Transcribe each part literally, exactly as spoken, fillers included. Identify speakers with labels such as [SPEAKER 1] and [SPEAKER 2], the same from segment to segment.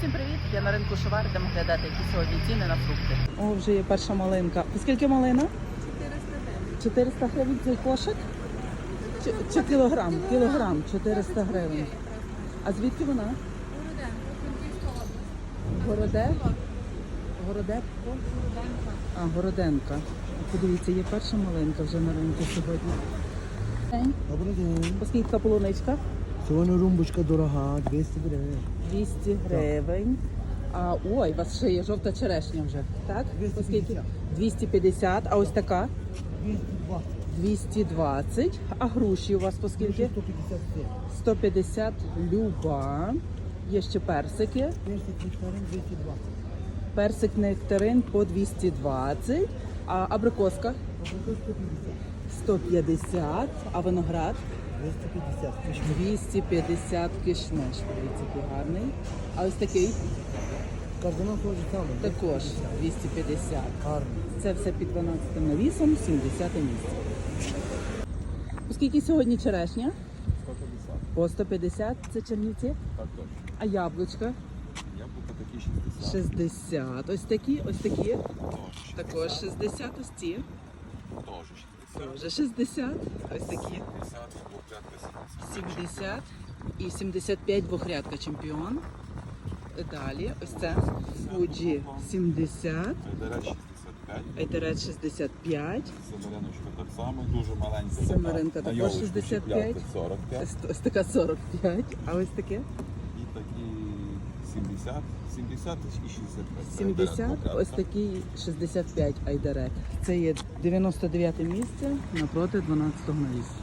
[SPEAKER 1] Всім привіт! Я на ринку Шовар, йдемо глядати, які сьогодні ціни на фрукти. О, вже є перша малинка. Скільки малина?
[SPEAKER 2] чотириста гривень.
[SPEAKER 1] чотириста гривень цей кошик? Чи, чи кілограм? Кілограм, чотириста гривень. А звідки вона?
[SPEAKER 2] Городенко, Франківська область.
[SPEAKER 1] Городе? Городепко?
[SPEAKER 2] Городенко.
[SPEAKER 1] А, Городенка. Подивіться, є перша малинка вже на ринку сьогодні.
[SPEAKER 3] Добрий день.
[SPEAKER 1] Оскільки полуничка?
[SPEAKER 3] Сьогодні румбочка дорога, двісті гривень.
[SPEAKER 1] двісті гривень. А, ой, у вас ще є жовта черешня вже, так?
[SPEAKER 3] двісті
[SPEAKER 1] Оскільки?
[SPEAKER 3] п'ятдесят.
[SPEAKER 1] двісті п'ятдесят. А ось така?
[SPEAKER 3] двісті двадцять.
[SPEAKER 1] двісті двадцять. А груші у вас по скільки?
[SPEAKER 3] сто п'ятдесят п'ять.
[SPEAKER 1] сто п'ятдесят люба. Є ще персики.
[SPEAKER 3] Персик нектарин двісті двадцять.
[SPEAKER 1] Персик нектарин по двісті двадцять. А абрикоска?
[SPEAKER 3] Абрикос сто п'ятдесят.
[SPEAKER 1] сто п'ятдесят. А виноград?
[SPEAKER 3] двісті п'ятдесят. Кишмиш.
[SPEAKER 1] двісті п'ятдесят кишмиш. Подивіться, який гарний. А ось такий?
[SPEAKER 3] Кардинал теж саме.
[SPEAKER 1] Також двісті п'ятдесят.
[SPEAKER 3] Гарний.
[SPEAKER 1] Це все під дванадцятим навісом, сімдесяте місце. Оскільки сьогодні черешня?
[SPEAKER 4] сто п'ятдесят.
[SPEAKER 1] По сто п'ятдесят. Це Чернівці.
[SPEAKER 4] Так точно.
[SPEAKER 1] А яблучка?
[SPEAKER 4] Яблука такі шістдесят.
[SPEAKER 1] шістдесят. Ось такі, ось такі.
[SPEAKER 4] Теж
[SPEAKER 1] Також шістдесят. Ось ці.
[SPEAKER 4] Теж шістдесят.
[SPEAKER 1] Вже шістдесят. Ось такі.
[SPEAKER 4] сімдесят, двохрядка сімдесят.
[SPEAKER 1] сімдесят. І сімдесят п'ять двохрядка чемпіон. Далі. Ось це. Фуджі сімдесят.
[SPEAKER 4] Айдарет шістдесят п'ять.
[SPEAKER 1] Айтерет шістдесят п'ять.
[SPEAKER 4] Семериночка так само, дуже маленька.
[SPEAKER 1] Семеринка
[SPEAKER 4] така.
[SPEAKER 1] також
[SPEAKER 4] На йолочку
[SPEAKER 1] шістдесят
[SPEAKER 4] чіпляти
[SPEAKER 1] п'ять.
[SPEAKER 4] сорок п'ять.
[SPEAKER 1] Ось, ось така сорок п'ять. А ось таке?
[SPEAKER 4] І такі сімдесят. сімдесят і шістдесят п'ять.
[SPEAKER 1] сімдесят.
[SPEAKER 4] Айдарет
[SPEAKER 1] Ось
[SPEAKER 4] двохрядка.
[SPEAKER 1] такий шістдесят п'ять айдарет. Це є дев'яносто дев'яте місце напроти дванадцятого навісу.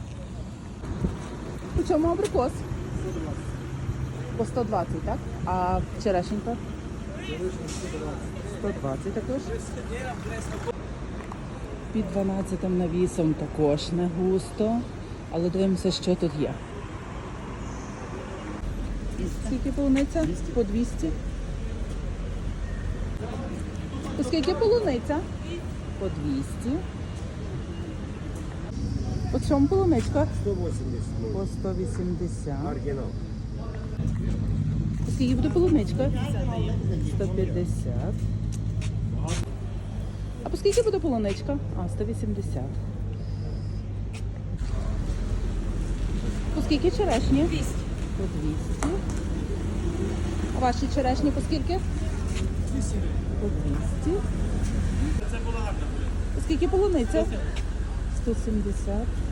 [SPEAKER 1] У чому абрикос? По сто двадцять, так? А черешенька? сто двадцять також. Під дванадцятим навісом також не густо. Але дивимося, що тут є. Скільки полуниця? По двісті. По скільки полуниця? По двісті. По чому полуничка?
[SPEAKER 3] сто вісімдесят.
[SPEAKER 1] По сто вісімдесят.
[SPEAKER 3] Оригінал.
[SPEAKER 1] По скільки буде полуничка? сто п'ятдесят. А по скільки буде полуничка? А, сто вісімдесят. По скільки черешні? двісті. По двісті. А ваші черешні по скільки? двісті. По двісті. По скільки полуниця? сто сімдесят.